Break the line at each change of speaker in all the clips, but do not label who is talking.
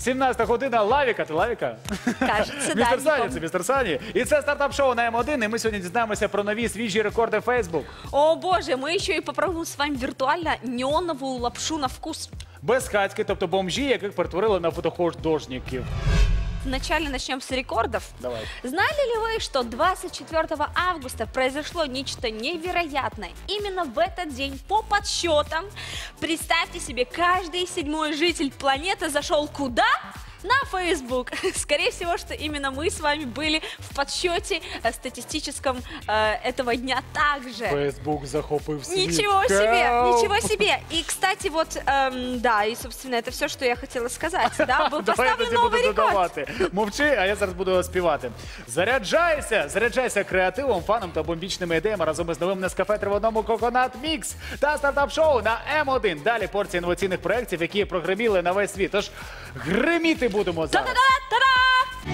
17 година. Лавіка, ти Лавіка?
Кажется, да.
Містер Сані, це Містер Сані. І це стартап-шоу на М1, і ми сьогодні дізнаємося про нові свіжі рекорди Facebook.
О боже, мы еще и попробуем с вами виртуально неоновую лапшу на вкус.
Безхатьки, тобто бомжі, яких перетворили на фотохудожників.
Вначале начнем с рекордов.
Давай.
Знали ли вы, что 24 августа произошло нечто невероятное? Именно в этот день, по подсчетам, представьте себе, каждый 7-й житель планеты зашел куда? На Facebook. Скорее всего, что именно мы с вами были в подсчете статистическом этого дня также.
Facebook захопив світ.
Ничего себе, ничего себе. И, кстати, вот, да, и, собственно, это все, что я хотела сказать. Да, был поставлен новый рекорд.
Мовчи, а я зараз буду співати. Заряджайся креативом, фаном та бомбічними ідеями разом із новим Нескафе в одному Coconut Mix та стартап-шоу на М1. Далі порція інноваційних проєктів, які прогреміли на весь світ. Тож гриміти будемо зараз.
Та-да-да-та-да!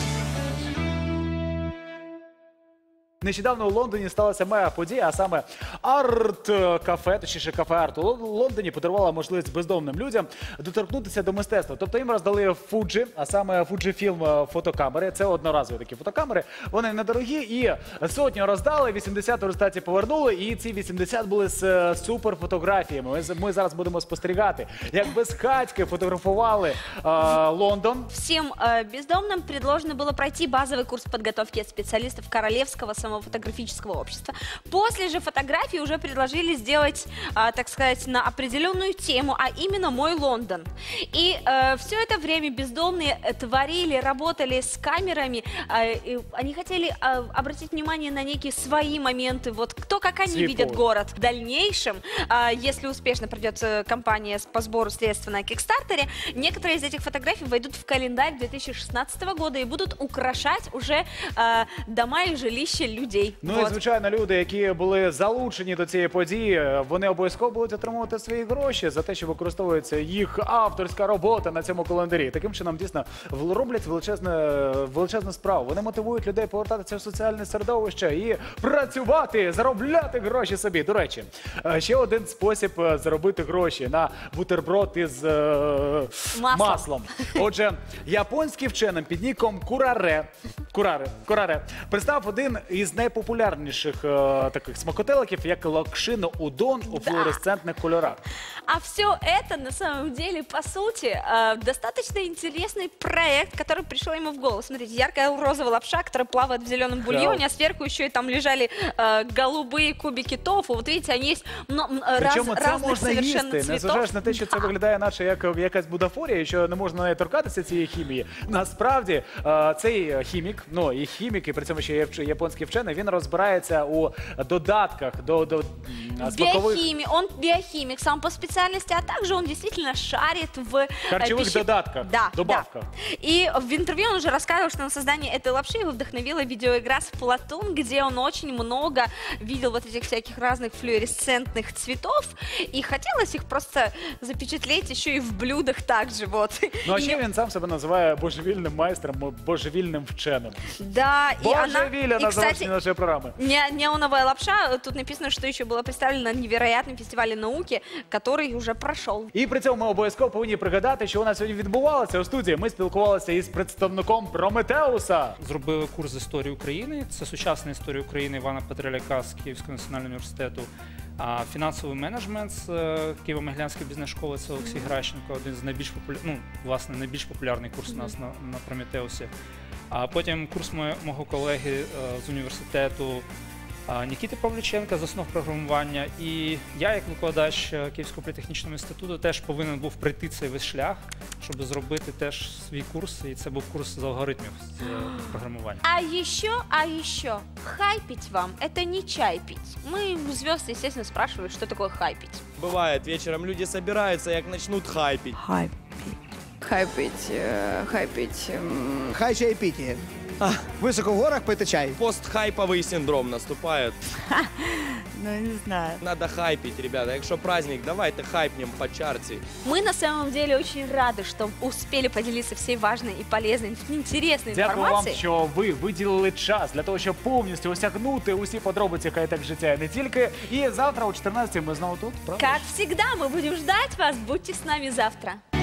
Нещодавно у Лондоні сталася мега-подія, а саме арт-кафе, точніше кафе-арт у Лондоні подарувала можливість бездомним людям доторкнутися до мистецтва. Тобто їм роздали Fuji, а саме Fujifilm фотокамери. Це одноразові такі фотокамери. Вони недорогі і сотню роздали, 80 у результаті повернули. І ці 80 були з суперфотографіями. Ми зараз будемо спостерігати, як безхатьки фотографували Лондон.
Всем бездомным предложено было пройти базовый курс подготовки от специалистов Королевского самофотографического общества. После же фотографии уже предложили сделать, так сказать, на определенную тему, а именно «Мой Лондон». И все это время бездомные творили, работали с камерами. Они хотели обратить внимание на некие свои моменты, вот кто как они видят город. В дальнейшем, если успешно пройдет кампания по сбору средств на Кикстартере, некоторые из этих фотографий войдут в календарь 2016 года и будут украшать уже дома и жилища людей.
Ну і, звичайно, люди, які були залучені до цієї події, вони обов'язково будуть отримувати свої гроші за те, що використовується їх авторська робота на цьому календарі. Таким чином, дійсно, роблять величезну справу. Вони мотивують людей повертатися в соціальне середовище і працювати, заробляти гроші собі. До речі, ще один спосіб заробити гроші на бутерброд із маслом. Отже, японський вчений під ніком Кураре представив один із найпопулярніших таких смакотеликів, як локшино удон у флуоресцентних кольорах.
А все это, на самом деле, по сути, достаточно интересный проект, который пришел ему в голову. Смотрите, яркая розовая лапша, которая плавает в зеленом бульоне, а сверху еще и там лежали голубые кубики тофу. Вот видите, они есть разных совершенно цветов.
Незважаючи на те, що це виглядає наче як якась будафорія, і що не можна навіть торкатися цієї хімії. Насправді, цей хімік, ну і хімік, і при цьому ще японський вчений, він розбирається у додатках до смакових...
Он биохимик сам по специальности, а также он действительно шарит в
харчевых додатках, добавках.
Да. И в интервью он уже рассказывал, что на создание этой лапши его вдохновила видеоигра Splatoon, где он очень много видел вот этих всяких разных флуоресцентных цветов, и хотелось их просто запечатлеть еще и в блюдах также. Вот.
Ну а ще він сам себе називає божевільним майстром, божевільним вченим.
Да, и
Божевільна на завершении нашей программы.
Неоновая лапша, тут написано, что еще было представлено на невероятном фестивале науки, который уже прошел.
І при цьому ми обов'язково повинні пригадати, що у нас сьогодні відбувалося у студії. Ми спілкувалися із представником Прометеуса.
Зробили курс з історії України. Це сучасна історія України Івана Петреляка з Київського національного університету. А фінансовий менеджмент з Києво-Могилянської бізнес-школи, це Олексій Гращенко, один з найбільш популярний курс у нас на Прометеусі. А потім курс мого колеги з університету Нікіти Павліченка з основ програмування. І я, як викладач Київського політехнічного інституту, теж повинен був пройти цей весь шлях, щоб зробити теж свій курс. І це був курс з алгоритмів з програмування.
А еще, хайпить вам – это не чай пить. Мы у звезд, естественно, спрашивают, что такое хайпить.
Бывает, вечером люди собираются, як начнут хайпить.
Хайпить.
Хай чай піті. Високо в горах пити чай.
Постхайповый синдром наступает.
Ну, не знаю.
Надо хайпить, ребята. Якщо праздник, давайте хайпнем по чарте.
Мы на самом деле очень рады, что успели поделиться всей важной и полезной, интересной
Дякую
информацией.
вам, що ви виділили час для того, щоб повністю осягнути усі подробиці хай-тек життя і не тільки. І завтра о 14 ми знову тут, правда?
Как всегда, мы будем ждать вас. Будьте с нами завтра.